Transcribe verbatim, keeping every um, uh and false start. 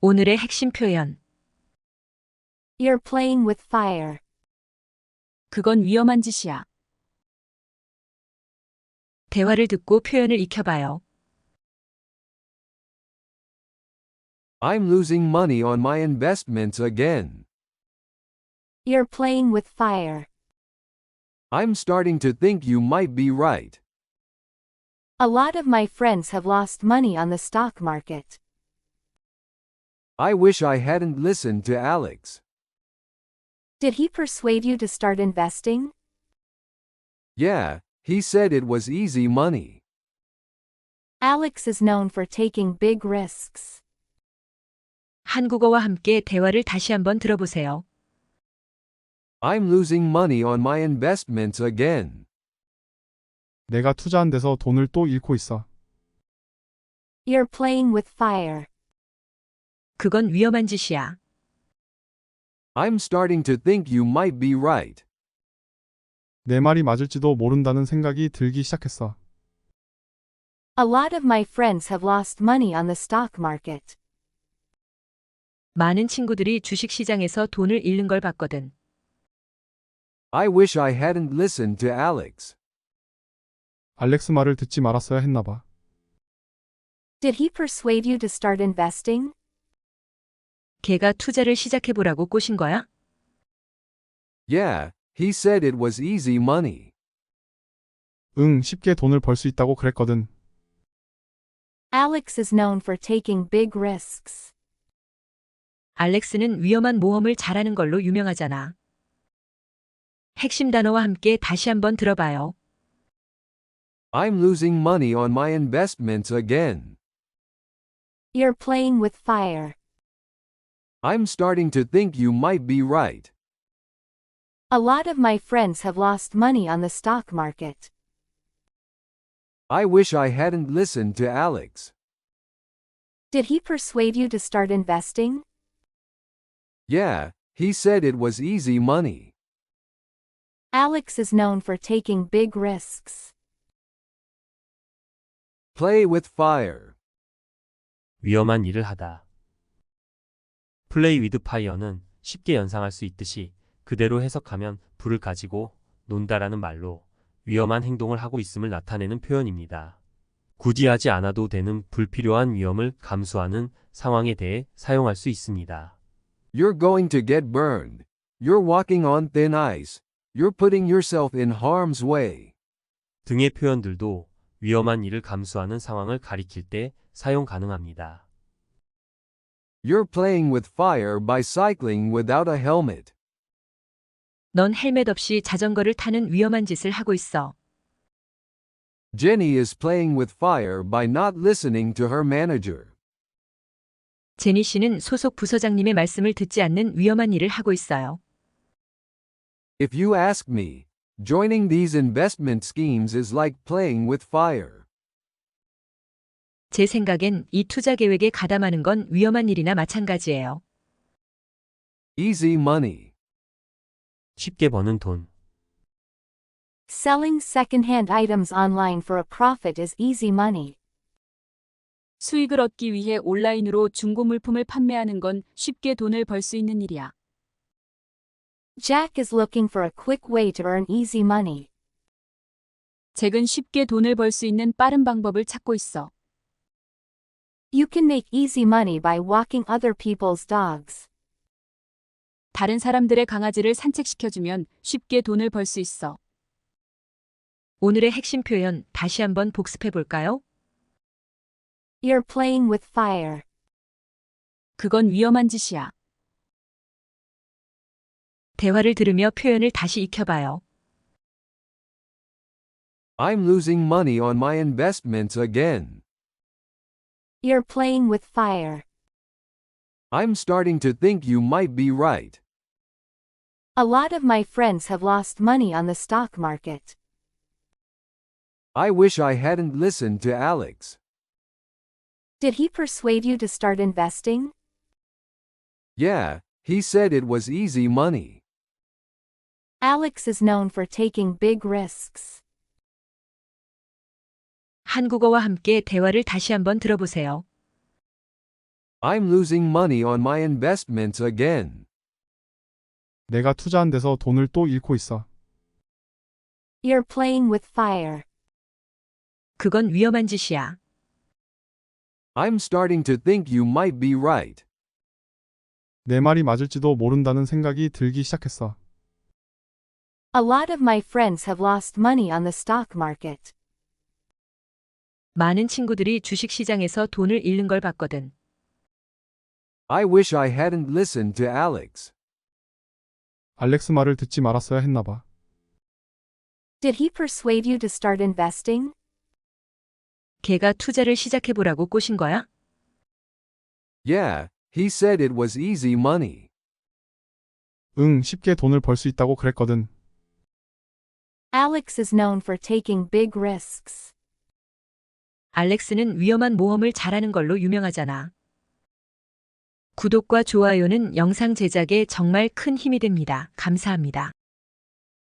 오늘의 핵심 표현. You're playing with fire. 그건 위험한 짓이야. 대화를 듣고 표현을 익혀봐요. I'm losing money on my investments again. You're playing with fire. I'm starting to think you might be right. A lot of my friends have lost money on the stock market. I wish I hadn't listened to Alex. Did he persuade you to start investing? Yeah, he said it was easy money. Alex is known for taking big risks. 한국어와 함께 대화를 다시 한번 들어보세요. I'm losing money on my investments again. 내가 투자한 데서 돈을 또 잃고 있어. You're playing with fire. 그건 위험한 짓이야. I'm starting to think you might be right. 내 말이 맞을지도 모른다는 생각이 들기 시작했어. A lot of my friends have lost money on the stock market. 많은 친구들이 주식시장에서 돈을 잃는 걸 봤거든. I wish I hadn't listened to Alex. 알렉스 말을 듣지 말았어야 했나 봐. Did he persuade you to start investing? 걔가 투자를 시작해보라고 꼬신 거야? Yeah, he said it was easy money. 응, 쉽게 돈을 벌 수 있다고 그랬거든. Alex is known for taking big risks. 알렉스는 위험한 모험을 잘하는 걸로 유명하잖아. 핵심 단어와 함께 다시 한번 들어봐요. I'm losing money on my investments again. You're playing with fire. I'm starting to think you might be right. A lot of my friends have lost money on the stock market. I wish I hadn't listened to Alex. Did he persuade you to start investing? Yeah, he said it was easy money. Alex is known for taking big risks. Play with fire. 위험한 일을 하다. 플레이 위드 파이어는 쉽게 연상할 수 있듯이 그대로 해석하면 불을 가지고 논다라는 말로 위험한 행동을 하고 있음을 나타내는 표현입니다. 굳이 하지 않아도 되는 불필요한 위험을 감수하는 상황에 대해 사용할 수 있습니다. You're going to get burned. You're walking on thin ice. You're putting yourself in harm's way. 등의 표현들도 위험한 일을 감수하는 상황을 가리킬 때 사용 가능합니다. You're playing with fire by cycling without a helmet. 넌 헬멧 없이 자전거를 타는 위험한 짓을 하고 있어. Jenny is playing with fire by not listening to her manager. 제니 씨는 소속 부서장님의 말씀을 듣지 않는 위험한 일을 하고 있어요. If you ask me, joining these investment schemes is like playing with fire. 제 생각엔 이 투자 계획에 가담하는 건 위험한 일이나 마찬가지예요. Easy money. 쉽게 버는 돈. Selling second-hand items online for a profit is easy money. 수익을 얻기 위해 온라인으로 중고 물품을 판매하는 건 쉽게 돈을 벌 수 있는 일이야. Jack is looking for a quick way to earn easy money. 잭은 쉽게 돈을 벌 수 있는 빠른 방법을 찾고 있어. You can make easy money by walking other people's dogs. 다른 사람들의 강아지를 산책시켜주면 쉽게 돈을 벌 수 있어. 오늘의 핵심 표현 다시 한번 복습해 볼까요? You're playing with fire. 그건 위험한 짓이야. 대화를 들으며 표현을 다시 익혀봐요. I'm losing money on my investments again. You're playing with fire. I'm starting to think you might be right. A lot of my friends have lost money on the stock market. I wish I hadn't listened to Alex. Did he persuade you to start investing? Yeah, he said it was easy money. Alex is known for taking big risks. 한국어와 함께 대화를 다시 한번 들어보세요. I'm losing money on my investments again. 내가 투자한 데서 돈을 또 잃고 있어. You're playing with fire. 그건 위험한 짓이야. I'm starting to think you might be right. 내 말이 맞을지도 모른다는 생각이 들기 시작했어. A lot of my friends have lost money on the stock market. 많은 친구들이 주식시장에서 돈을 잃는 걸 봤거든. I wish I hadn't listened to Alex. 알렉스 말을 듣지 말았어야 했나 봐. Did he persuade you to start investing? 걔가 투자를 시작해보라고 꼬신 거야? Yeah, he said it was easy money. 응, 쉽게 돈을 벌 수 있다고 그랬거든. Alex is known for taking big risks. 알렉스는 위험한 모험을 잘하는 걸로 유명하잖아. 구독과 좋아요는 영상 제작에 정말 큰 힘이 됩니다. 감사합니다.